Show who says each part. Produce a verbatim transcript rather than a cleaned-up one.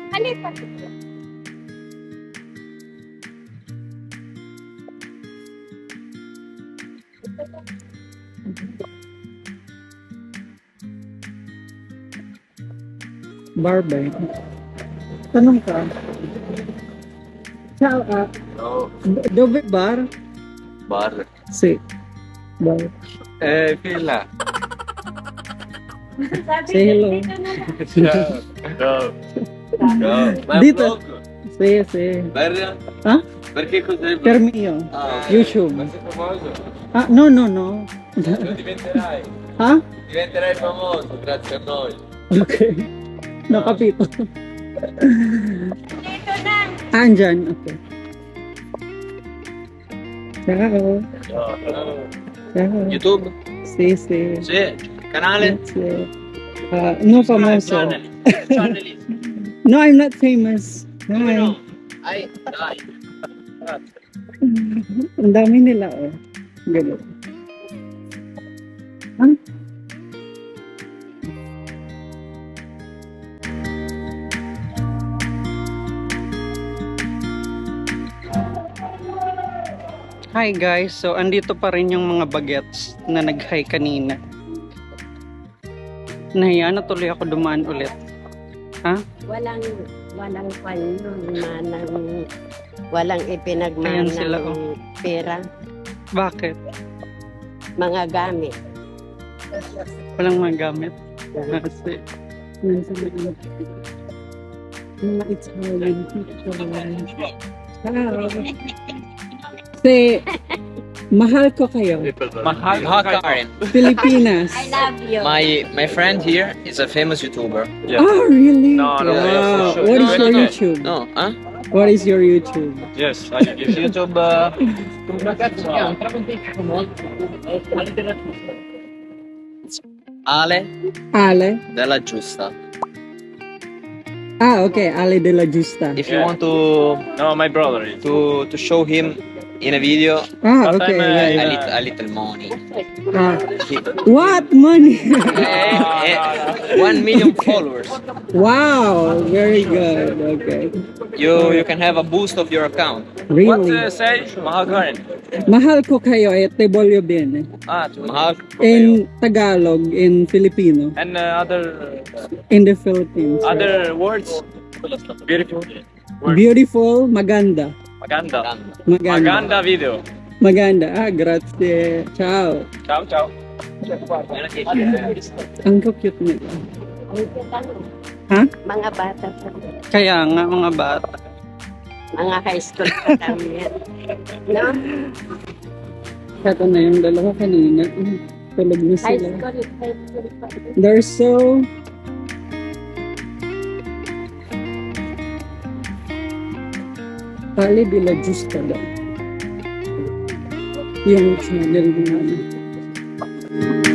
Speaker 1: Ano pa?
Speaker 2: Bar ba yun? Tanong ka. Ciao, ah.
Speaker 3: No,
Speaker 2: Dove bar?
Speaker 3: bar.
Speaker 2: Si. Bar.
Speaker 3: Eh, fila.
Speaker 1: Sabi
Speaker 2: Say hello.
Speaker 1: dito na lang.
Speaker 3: Ciao. Ciao. Ma è un
Speaker 2: Dito.
Speaker 3: vlog?
Speaker 2: Si, si.
Speaker 3: Per...
Speaker 2: Ha?
Speaker 3: Perché cos'è il vlog?
Speaker 2: Per mio.
Speaker 3: Ah,
Speaker 2: YouTube.
Speaker 3: Ma sei famoso?
Speaker 2: Ah, no, no, no.
Speaker 3: Lo diventerai.
Speaker 2: Ha?
Speaker 3: Diventerai famoso grazie a noi.
Speaker 2: Okay. Nakapito.
Speaker 1: Dito na.
Speaker 2: Andyan. Okay. Ciao.
Speaker 3: Ciao.
Speaker 2: Ciao.
Speaker 3: YouTube?
Speaker 2: Si, si.
Speaker 3: Sì. Canale?
Speaker 2: Si. Ah, no famoso.
Speaker 3: Channel.
Speaker 2: No, I'm not famous.
Speaker 3: Come
Speaker 2: Hi.
Speaker 3: no? Ai, dai.
Speaker 2: Ang dami nila, oh. Ganun. Huh? Hi guys, so andito pa rin yung mga bagets na nag-hi kanina. Nahiya na tuloy ako dumaan ulit. Ha?
Speaker 1: Walang, walang panyo, manang, walang
Speaker 2: Ayan
Speaker 1: ipinagmanang
Speaker 2: sila, oh.
Speaker 1: pera,
Speaker 2: Bakit?
Speaker 1: mga gamit.
Speaker 2: Walang magamit. Kasi, nasa mga mga Italian picture. Ciao. Si, mahal ko kayo.
Speaker 3: Mahal Karen.
Speaker 2: Pilipinas.
Speaker 1: I love you.
Speaker 3: My my friend here is a famous YouTuber.
Speaker 2: Oh, really?
Speaker 4: No, no,
Speaker 2: Wow.
Speaker 4: for sure.
Speaker 2: What is
Speaker 4: No,
Speaker 2: your
Speaker 4: no.
Speaker 2: YouTube?
Speaker 3: No, huh?
Speaker 2: What is your YouTube?
Speaker 4: Yes, I give you.
Speaker 3: YouTube uh, Ale
Speaker 2: Ale?
Speaker 3: della Giusta.
Speaker 2: Ah, okay. Ale de la Justa.
Speaker 3: If you
Speaker 4: Yeah.
Speaker 3: want to
Speaker 4: No, my brother is.
Speaker 3: to to show him in a video
Speaker 2: Ah,
Speaker 4: But
Speaker 2: okay.
Speaker 4: I'm, uh,
Speaker 2: Yeah,
Speaker 3: a
Speaker 2: yeah.
Speaker 3: little a little money.
Speaker 2: Ah.
Speaker 3: He-
Speaker 2: What money?
Speaker 3: eh, eh, one million followers.
Speaker 2: Wow, very good. Okay.
Speaker 3: You you can have a boost of your account.
Speaker 4: What
Speaker 2: Really?
Speaker 4: uh, say? Mahal Karen.
Speaker 2: Mahal ko kayo eh, te voglio bene.
Speaker 4: Ah,
Speaker 3: Mahal.
Speaker 2: In Tagalog, in Filipino,
Speaker 4: and uh, other
Speaker 2: in the Philippines.
Speaker 4: other words. Beautiful. Words.
Speaker 2: Beautiful, maganda.
Speaker 4: Maganda.
Speaker 2: Maganda.
Speaker 4: Maganda video.
Speaker 2: Maganda. Ah, grazie. Ciao.
Speaker 4: Ciao, ciao.
Speaker 2: Ang cute nila. Ha?
Speaker 1: Mga bata pa.
Speaker 2: Kaya nga, mga bata.
Speaker 1: Mga high school pa kami yan. No?
Speaker 2: Kato na yung dalawa kanina. Mm, Tulog na
Speaker 1: High
Speaker 2: sila.
Speaker 1: school, high school pa.
Speaker 2: They're so... Pali de la Justa daw. Yung channel mo namin.